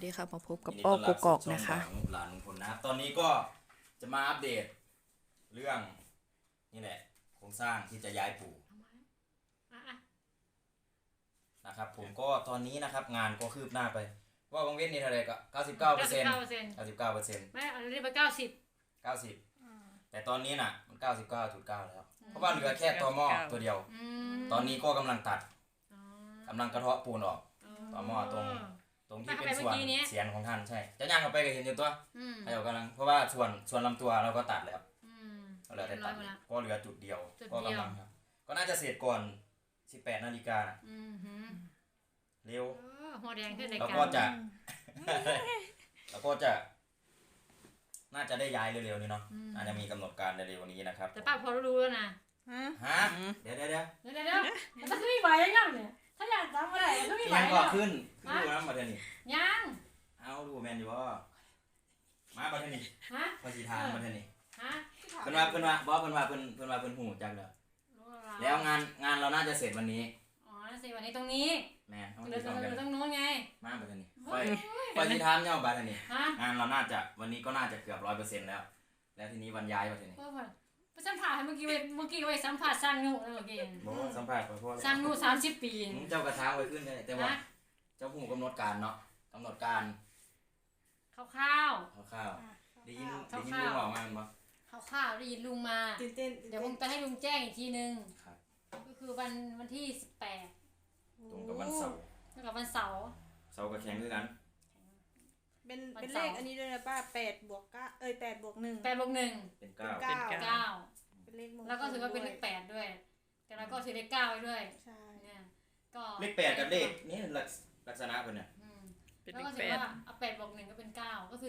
ดีค่ะมาพบกับยินดีอ้อต้อนกรับกอกสู่ช่องนะคะของหลานลุงพลนะครับตอนนี้ก็จะมาอัปเดตเรื่องนี่แหละโครงสร้างที่จะย้ายปู่นะครับผมก็ตอนนี้นะครับงานก็คืบหน้าไปว่าบางเว้นนี่เท่าไหร่ก็99% 99% ไม่อันนี้ไป90 90แต่ตอนนี้น่ะมัน 99.9 แล้วเพราะว่าเหลือแค่ตอหม้อตัวเดียวตอนนี้ก็กำลังตัดกำลังกระเทาะปูนออกตอหม้อตรงที่เป็นส่วนเสียนของท่านใช่จะย่างเข้าไปก็เห็นอยู่ตัวให้เรากำลังเพราะว่าส่วนลำตัวเราก็ตัดแล้วเหลือแต่ตัดก็เหลือจุดเดียวก็กำลังครับก็น่าจะเสร็จก่อน18 นาฬิกาเร็วหัวแดงขึ้นในแล้วการก็จะ น่าจะได้ย้ายเร็วๆนี้เนาะน่าจะมีกำหนดการเร็วๆนี้นะครับแต่ป้าพอรู้แล้วนะฮะเดี๋ยวมันจะไม่ไหวยังเนี่ยถ้าอยากจำอะไรก็ไม่ไหวยังก่อขึ้นดูนะมาเทนี่ยังเอาดูแมนอยู่ว่ามาบัทนี่ฮะพอสีทานบัทนี่ฮะเพิ่นว่าบอสเพิ่นว่าเพิ่นหูจักแล้วงานเราน่าจะเสร็จวันนี้อ๋อเสร็จวันนี้ตรงนี้แม่เดี๋ยวตรงโน้นไงมาบัทนี่พอสีทานเนี่ยบัทนี่งานเราน่าจะวันนี้ก็น่าจะเกือบ 100% แล้วทีนี้วันย้ายบัทนี่ไปสัมผัสเมื่อกี้ไปสัมผัสสร้างนูเมื่อกี้บอกสัมภาษณ์ไปเพราะสร้างนู30 ปีเจ้ากระทางไว้ขึ้นได้แต่ว่าเจ้าหูกำหนดการเนาะกำหนดการข้าวได้ยินลุงบอกมามั้ยข้าวได้ยินลุงมาเดี๋ยวผมจะให้ลุงแจ้งอีกทีนึงก็คือวันที่18 ตรงกับวันเสาร์แล้วกับวันเสาร์ก็แข่งด้วยกันเป็นเลขอันนี้ด้วยนะป้า8 บวก 9 8 บวก 1 8 บวก 1 เป็น 9 เป็นเลขมงคลแล้วก็ถือว่าเป็นเลข8ด้วยแต่เราก็ถือเลข9ไว้ด้วยใช่เนี่ยก็เลข8กับเลขนี่ลักษณะเพิ่นน่ะแล้วก็ถือว่าเอา8 บวก 1ก็เป็น9ก็คือ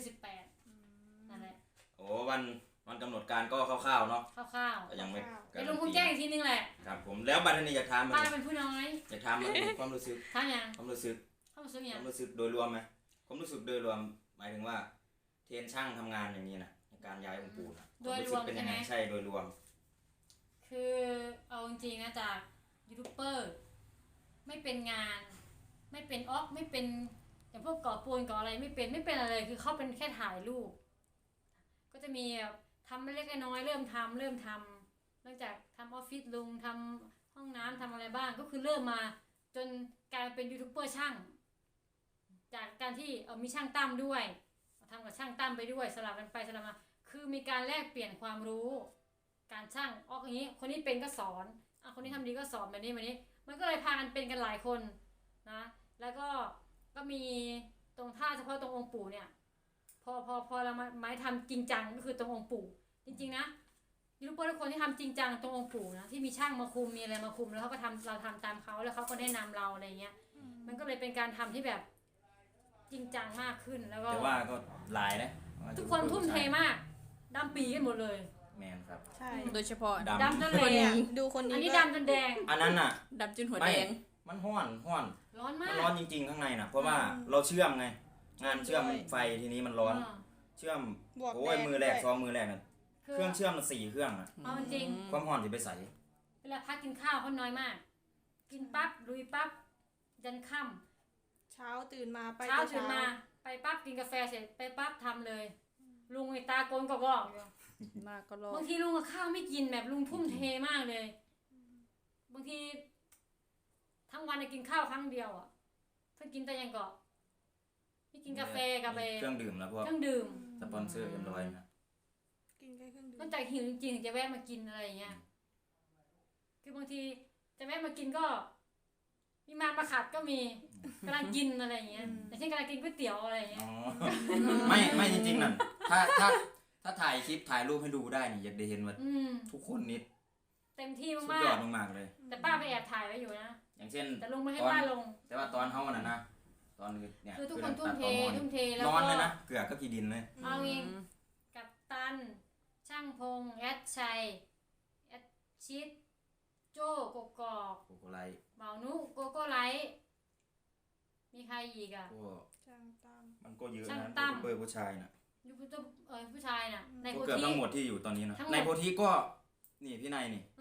18นั่นแหละโอ้วันกำหนดการก็คร่าวๆเนาะคร่าวๆยังไม่เดี๋ยวลุงคงแจ้งอีกทีนึงแหละครับผมแล้วบัดนี้อยากถามป้าเป็นผู้น้อยอยากถามความรู้สึกถามยังความรู้สึกยังความรู้สึกโดยรวมมั้ยความรู้สึกโดยรวมหมายถึงว่าเทรนช่างทำงานอย่างนี้น่ะในการย้ายองค์ปู่น่ะโดยรวมเป็นยังไงใช่โดยรวมคือเอาจริงๆนะจากยูทูบเบอร์ไม่เป็นงานไม่เป็นไม่เป็นอย่างพวกก่อปูนก่ออะไรไม่เป็นอะไรคือเขาเป็นแค่ถ่ายรูปก็จะมีทำเล็กน้อยเริ่มทำหลังจากทำออฟฟิศลุงทำห้องน้ำทำอะไรบ้างก็คือเริ่มมาจนกลายเป็นยูทูบเบอร์ช่างจากการที่มีช่างตั้มด้วยทำกับช่างตั้มไปด้วยสลับกันไปสลับมาคือมีการแลกเปลี่ยนความรู้การช่างอย่างนี้คนนี้เป็นก็สอนคนนี้ทำดีก็สอนแบบนี้มันก็เลยพากันเป็นกันหลายคนนะแล้วก็มีตรงท่าเฉพาะตรงองค์ปู่เนี่ยพอเราไม้ทำจริงจังก็คือตรงองค์ปู่จริงๆนะยูทูบเบอร์ทุกคนที่ทำจริงจังตรงองค์ปู่นะที่มีช่างมาคุมมีอะไรมาคุมแล้วเขาก็เราทำตามเขาแล้วเขาก็แนะนำเราอะไรเงี้ยมันก็เลยเป็นการทำที่แบบจริงจังมากขึ้นแล้วก็แต่ว่าก็หลายนะทุกคนทุ่มเทมากดำปีกันหมดเลยแมนครับใช่โดยเฉพาะดำจนแดงดูคนนี้อันนี้ดำจนแดงอันนั้นน่ะดำจนหัวแดงมันร้อนร้อนมากมันร้อนจริงๆข้างในน่ะเพราะว่าเราเชื่อมไงงานเชื่อมไฟทีนี้มันร้อนเชื่อมโอ้ยมือแรก2มือแรกน่ะเครื่องเชื่อมมัน4เครื่องอ่ะเอาจริงความร้อนสิไปใส่เวลาพักกินข้าวเขาน้อยมากกินปั๊บลุยปั๊บยันค่ำเช้าตื่นมาไปปั๊บกินกาแฟเสร็จไปปั๊บทำเลยลุงไอ้ตาโกนก็บอกบางทีลุงกับข้าวไม่กินแบบลุงทุ่มเทมากเลยบางทีทั้งวันกินข้าวครั้งเดียวถ้ากินแต่ยังก็ไม่กินกาแฟกับเครื่องดื่มแล้วพวกเครื่องดื่มสปอนเซอร์เรียบร้อยนะกินแค่เครื่องดื่มนอกจากหิวจริงๆจะแวะมากินอะไรอย่างเงี้ยคือบางทีจะแวะมากินก็มีมาขัดก็มีกำลังกินอะไรอย่างเงี้ยแต่เช่นกำลังกินก๋วยเตี๋ยวอะไรอย่างเงี้ยไม่จริงๆนั่นถ้าถ่ายคลิปถ่ายรูปให้ดูได้นี่อยากได้เห็นว่าทุกคนนิดเต็มที่มากสุดยอดมากๆเลยแต่ป้าไปแอบถ่ายไว้อยู่นะอย่างเช่นแต่ลุงไม่ให้ป้าลงแต่ว่าตอนเฮาน่ะนะตอนเนี่ยคือทุกคนทุ่มเทแล้วร้อนเลยนะเกลือก็กี่ดินเลยเอาเองกับตันช่างพงแอดชัยแอดชิดโจ้กกอกโกโกไลเบานุโกโก้ไลมีใครอีกช่างตั้มมันก็เยอะนะเบอร์ผู้ชายน่ะยูทูบผู้ชายน่ะในโพธิเกือบทั้งหมดที่อยู่ตอนนี้นะในโพธิก็นี่พี่นายนี่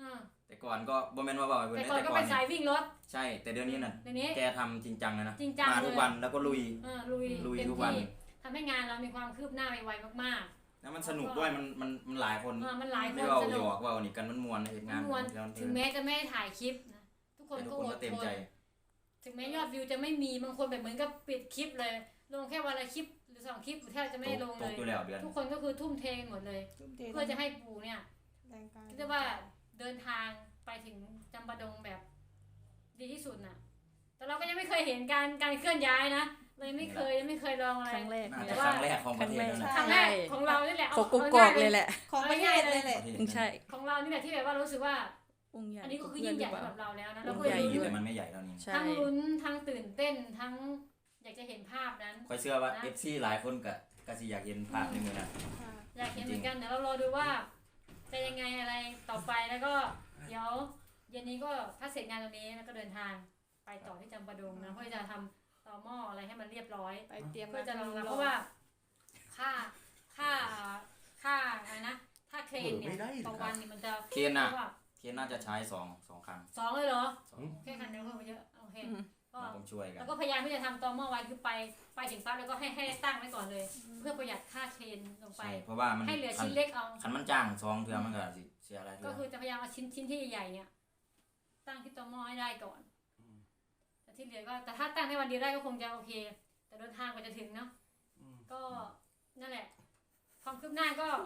แต่ก่อนก็บ่แม่นว่าเว้าให้เพิ่นแต่ได้ก่อนแต่ก็ก่อเป็น นสายวิ่งรถใช่แต่เดี๋ยวนี้น่ะเดี๋ยวนี้แกทำจริงจังเลยนะจริงจังมาทุกเลยวันแล้วก็ลุยลุยลุยเต็มทุกวันที่ทำให้งานเรามีความคืบหน้าไวๆมากแล้วมันสนุกด้วยมันหลายคนๆมันหลายคไม่นเว้าสหยนุกอกเว้านี่กันมันม่วนนะเฮ็ดงานมวนแล้วถึงแม้จะไม่ได้ถ่ายคลิปนะทุกคนแต่ทุก็กคนอก็ดเต็มทนใจถึงแม้ยอดวิวจะไม่มีบางคนแบบเหมือนกับปิดคลิปเลยลงแค่วันละคลิปหรือ2 คลิปแทบจะไม่ได้ลงตเลกยอยู่แล้วเดือนทุกคนก็คือทุ่มเทกันหมดเลยทุ่มเทเพื่อจะให้ปู่เนี่ยแรงกายเรียกว่าเดินทางไปถึงจำปาดงแบบดีที่สุดน่ะ แต่เราก็ยังไม่เคยเห็นการเคลื่อนย้ายนะเลยไม่เคยลองอะไรครั้งแรกน่าเนี่จะยครั้งแรกของประเทศนั่นแหละครั้งแรกของเรานี่แหละโกกุกอกเลยแหละของประเทศเลยแหละประเทศใช่ของเรานี่แหละที่แบบว่ารู้สึกว่าองค์ใหญ่อันนี้ก็คือยิ่งใหญ่สำหรับเราแล้วนะเราองก็ค์เลใหญ่ยอยู่แต่มันไม่ใหญ่เท่านี้ใช่ทั้งลุ้นทั้งตื่นเต้นทั้งอยากจะเห็นภาพนั้นคอยเชื่อว่า FC หลายคนก็สิอยากเห็นภาพในมือนั้นค่ะอยากเห็นเหมือนกันเดี๋ยวเรารอดูว่าจะยังไงอะไรต่อไปแล้วก็เดี๋ยวเย็นนี้ก็ถ้าเสร็จงานตรงนี้แล้วก็เดินทางไปต่อที่จำปาดงนะเพื่อจะทำต่อหม้ออะไรให้มันเรียบร้อยไปเตรียมเพื่อจะรองรับเพราะว่าค่าอะไรนะค่าเครนเนี่ยต่อวันนี่มันจะเคนน่ะเท่ากับเคนน่าจะใช้2 ครั้ง 2เลยเหรอสองแค่คันเดียวเพิ่มไปเยอะโอเคก็เราต้องช่วยกันแล้วก็พยายามที่จะทำต่อหม้อไว้คือไปถึงปั๊บแล้วก็ให้ตั้งไว้ก่อนเลย เพื่อประหยัดค่าเครนลงไปใช่เพราะว่ามันให้เหลือชิ้นเล็กเอาคันมันจ้าง2เทื่อมันก็สิเสียอะไรเทื่ก็อคือจะพยายามเอาชิ้นที่ใหญ่ๆเนี่ยตั้งที่ต่อหม้อให้ได้ก่อนแต่ที่เหลือก็แต่ถ้าตั้งในวันเดียวได้ก็คงจะโอเค แต่เดินทางกว่าจะถึงเนาะก็นั่นแหละความคืบหน้าก็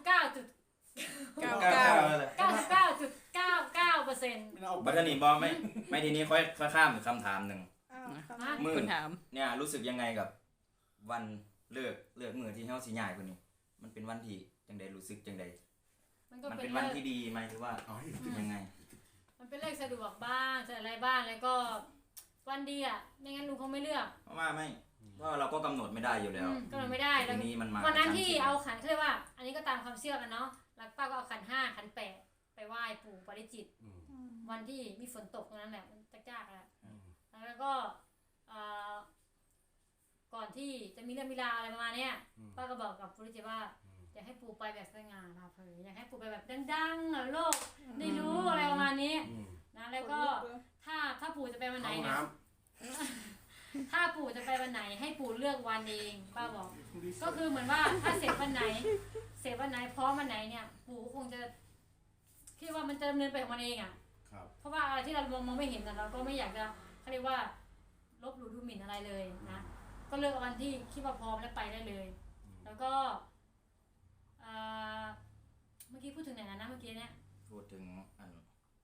99.99.99% บัดนี้บ่ไม่ทีนี้ค่อยข้ามอีกคำถามหนึงอ้าวมือคุณถามเนี่ยรู้สึกยังไงกับวันเลิกมื้อที่เฮาสิย้ายคนนี้ มันเป็นวันที่จังได๋รู้สึกจังได๋มันก็มันเป็เป็น นเรื่วัอน งที่ดีไหมหรือว่ายังไงมันเป็นเรื่องสะดวกบ้างจะอะไรบ้างแล้วก็วันดีอ่ะไม่งั้นลุงคงไม่เลือกเพราะว่าเราก็กำหนดไม่ได้อยู่แล้วก็เลยไม่ได้ทีแล้วนี้มันมาวันนั้นที่กระชั้เอาขันเขาเรียกว่า อันนี้ก็ตามความเชื่อกันเนาะหลักป้าก็เอาขัน5ขัน8ไปไหว้ปู่ปาริจิตรวันที่มีฝนตกตรงนั้นแหละมันจ้าๆอ่ะแล้วก็ก่อนที่จะมีเรื่องมีราวอะไรประมาณเนี้ยป้าก็บอกกับปาริจิตรว่าอยากให้ปู่ไปแบบสง่าผ่าเผยอยากให้ปู่ไปแบบดังๆโลกได้รู้อะไรประมาณนี้นะแล้วก็ถ้าปู่จะไปวันไหนนะถ้าปู่จะไปวันไหนให้ปู่เลือกวันเองป้าบอก ก็คือเหมือนว่าถ้าเสร็จวันไหนพร้อมวันไหนเนี่ย ปู่คงจะคิดว่ามันจะดำเนินไปของมันเองอ่ะเพราะว่าอะไรที่เรามองไม่เห็นเราก็ไม่อยากจะเขาเรียกว่าลบหลู่ดูหมิ่นอะไรเลยนะก็เลือกวันที่คิดว่าพร้อมแล้วไปได้เลย แล้วก็เมื่อกี้พูดถึงไหนนะเมื่อกี้เนี่ยพูดถึงอัน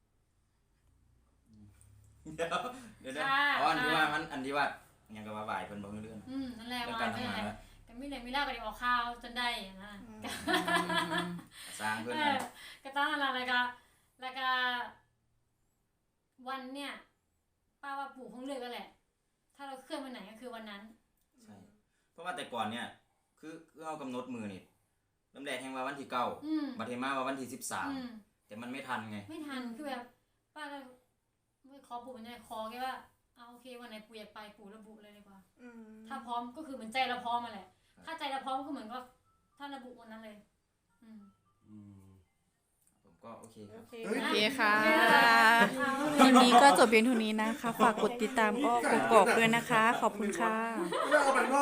เดี๋ยวอ๋ออันที่ว่ายังก็ว่าบ่ายเพิ่นบ่รู้เรื่องนั่นแหละเรื่องว่าการนั่นทำงานแหละแล้วแต่ไม่เลยไม่เล่ากันออกข่าวจนได้นะสร้างเพิ่นก็ต้องอะไรแล้วก็วันเนี่ยป้าว่าปู่คงเลือกกันแหละ ถ้าเราเคลื่อนวันไหนก็คือวันนั้นใช่เพราะว่าแต่ก่อนเนี่ยคือเฮากำหนดมือนี่ลำแรกแห่งว่าวันที่9บัดนี้มาว่าวันที่13แต่มันไม่ทันไงไม่ทันคือแบบป้าก็ไม่ขอปู่มันจะขอแค่ว่าเอาโอเควันไหนปู่อยากไปปู่ระบุเลยดีกว่าถ้าพร้อมก็คือเหมือนใจเราพร้อมมาแหละถ้าใจเราพร้อมก็เหมือนก็ถ้าระบุวันนั้นเลยผมก็โอเคครับโอเคค่ะคลิปนี้ก็จบเพียงเท่านี้นะคะ ฝากกดติดตามก็กกอกด้วยนะคะ ขอบคุณค่ะ